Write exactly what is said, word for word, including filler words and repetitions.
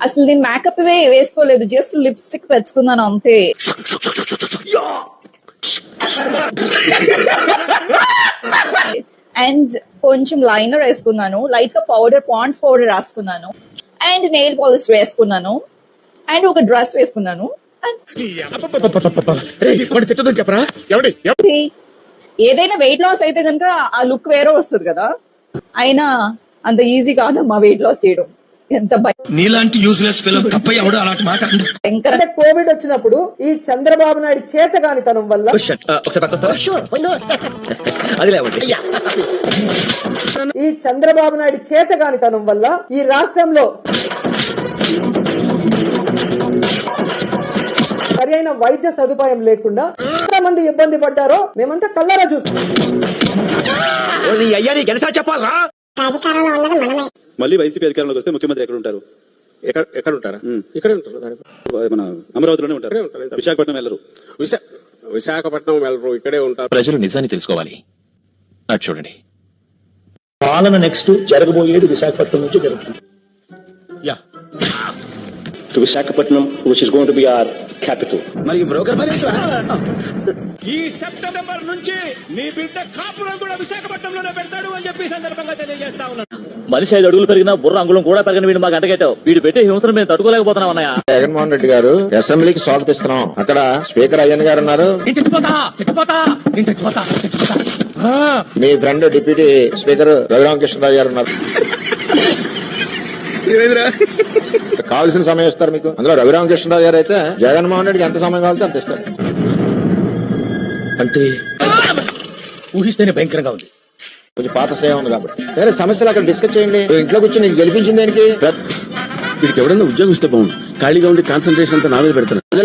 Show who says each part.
Speaker 1: అసలు నేను మేకప్ వేసుకోలేదు, జస్ట్ లిప్స్టిక్ పెట్టుకున్నాను అంతే. అండ్ కొంచెం లైనర్ వేసుకున్నాను, లైట్ గా పౌడర్ పాండ్స్ పౌడర్ రాసుకున్నాను, అండ్ నెయిల్ పాలిష్ వేసుకున్నాను, అండ్ ఒక డ్రెస్ వేసుకున్నాను. ఏదైనా వెయిట్ లాస్ అయితే కనుక ఆ లుక్ వేరే వస్తుంది కదా, అయినా అంత ఈజీ కాదమ్మా వెయిట్ లాస్ చేయడం. ఎంత
Speaker 2: నీలాంటి యూజ్లెస్ ఫెలో తప్ప ఎవడు అలాంటి మాట
Speaker 3: అంటే కోవిడ్ వచ్చినప్పుడు ఈ చంద్రబాబు నాయుడు చేతగానితనం వల్ల ఈ చంద్రబాబు నాయుడు చేతగానితనం వల్ల ఈ రాష్ట్రంలో సరి అయిన వైద్య సదుపాయం లేకుండా ఎంత మంది ఇబ్బంది పడ్డారో మేమంతా కళ్ళారా చూస్తాం.
Speaker 4: మళ్ళీ వైసీపీ అధికారంలోకి వస్తే ముఖ్యమంత్రి ఎక్కడ ఉంటారు?
Speaker 5: ఎక్కడ ఉంటారా? ఇక్కడే ఉంటారు.
Speaker 4: మన అమరావతిలోనే ఉంటారు, విశాఖపట్నం వెళ్ళరు.
Speaker 5: విశాఖపట్నం వెళ్ళరు, ఇక్కడే ఉంటారు.
Speaker 2: ప్రజలు నిజాన్ని తెలుసుకోవాలి. అటు చూడండి,
Speaker 6: పాలన నెక్స్ట్ జరగబోయేది విశాఖపట్నం నుంచి జరుగుతుంది.
Speaker 5: Yeah
Speaker 6: to Visakhapatnam which is going to be our capital.
Speaker 2: మరి బ్రోకర్
Speaker 7: ఈ సెప్టెంబర్ నుంచి మీ బిడ్డ కాపురం కూడా విశాఖపట్నంలోనే పెడతాడు అని చెప్పి సందర్భంగా తెలియజేస్తా ఉన్నాను.
Speaker 6: మనిషి ఐదు అడుగులు పెరిగినా బుర్ర అంగుళం కూడా పెరగని వీడు మాకు అంటగట్టావు. వీడు పెట్టే హింసను మేము తట్టుకోలేకపోతున్నాం అన్నయ్య.
Speaker 8: జగన్మోహన్ రెడ్డి గారు అసెంబ్లీకి స్వాగతిస్తున్నాం. అక్కడ స్పీకర్ అయ్యన్ గారు ఉన్నారు, మీ ఫ్రెండ్ డిప్యూటీ స్పీకర్ రఘురామకృష్ణరాజు గారు ఉన్నారు. కావాల్సిన సమయం ఇస్తారు మీకు. అందులో రఘురామకృష్ణరాజు గారు అయితే జగన్మోహన్ రెడ్డికి ఎంత సమయం కావాలంటే అంత ఇస్తారు.
Speaker 2: అంటే ఊహిస్తేనే భయంకరంగా ఉంది.
Speaker 8: కొంచెం పాత శ్రేయం ఉంది కాబట్టి వేరే సమస్యలు అక్కడ డిస్కస్ చేయండి. ఇంట్లో కూర్చొని నీకు గెలిపించింది దానికి.
Speaker 5: వీడికి ఎవడన్నా ఉద్యోగం ఇస్తే బాగుంది. ఖాళీగా ఉండి కాన్సన్ట్రేషన్ అంతా నా మీద పెడతాను.